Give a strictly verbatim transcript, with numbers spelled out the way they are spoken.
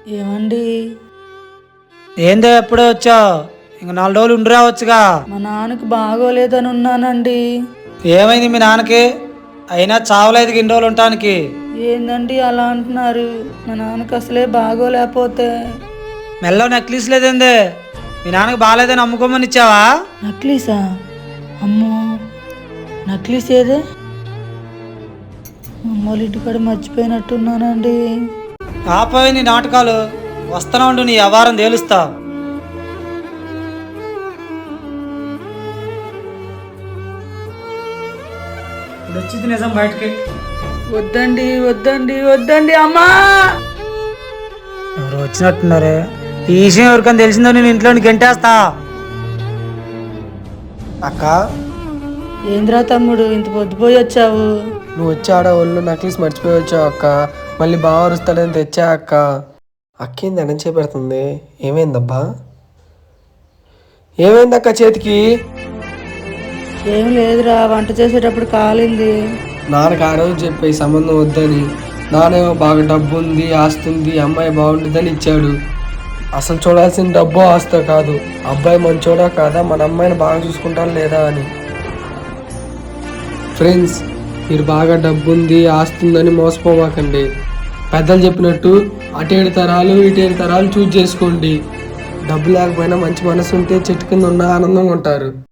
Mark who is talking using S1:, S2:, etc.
S1: ఏమండి?
S2: ఏందో ఎప్పుడే వచ్చావు? ఇంక నాలుగు రోజులు ఉండి రావచ్చుగా.
S1: మా నాన్నకి బాగోలేదని ఉన్నానండి.
S2: ఏమైంది మీ నాన్నకి? అయినా చావలేదు ఇన్ని రోజులు ఉండటానికి.
S1: ఏందండి అలా అంటున్నారు? మా నాన్నకి అసలే బాగోలేకపోతే.
S2: మెల్లో నెక్లెస్ లేదేందే? మీ నాన్నకి బాగాలేదని అమ్ముకోమని ఇచ్చావా?
S1: నక్లీసా? అమ్మో, నక్లీస్ ఏదే? అమ్మోళ్ళ ఇంటికాడ మర్చిపోయినట్టున్నానండి.
S2: ఆపోయి నీ నాటకాలు. వస్తూనే ఉండు, నీ వ్యవహారం తేలుస్తా. ఇప్పుడు వచ్చింది నిజం బయటకి.
S1: వద్దండి వద్దండి వద్దండి అమ్మా.
S2: ఎవరు వచ్చినట్టున్నారే? ఈ విషయం ఎవరికైనా తెలిసిందో నేను ఇంట్లోని గంటేస్తా. అక్క,
S1: ఏంద్రా తమ్ముడు ఇంత పొద్దుపోయి వచ్చావు?
S3: నువ్వు వచ్చి ఆడ ఒళ్ళు నక్లీస్ మర్చిపోయి వచ్చావు అక్క. మళ్ళీ బాగా అరుస్తాడని తెచ్చా అక్క. అక్కేంది అనం చేపెడుతుంది? ఏమైందబ్బా? ఏమైందక్క చేతికి?
S1: ఏం లేదురా, వంట చేసేటప్పుడు కాలింది.
S3: నాన్నకు ఆ రోజు చెప్పి సంబంధం వద్దని. నానేమో బాగా డబ్బు ఉంది, ఆస్తి ఉంది, అమ్మాయి బాగుంటుందని ఇచ్చాడు. అసలు చూడాల్సిన డబ్బు ఆస్తో కాదు, అబ్బాయి మంచోడా కాదా, మన అమ్మాయిని బాగా చూసుకుంటారా లేదా అని. ఫ్రెండ్స్, మీరు బాగా డబ్బు ఉంది, ఆస్తి ఉందని మోసపోమాకండి. పెద్దలు చెప్పినట్టు అటు ఏడు తరాలు ఇటు ఏడు తరాలు చూజ్ చేసుకోండి. డబ్బు లేకపోయినా మంచి మనసు ఉంటే చెట్టు కింద ఉన్న ఆనందంగా ఉంటారు.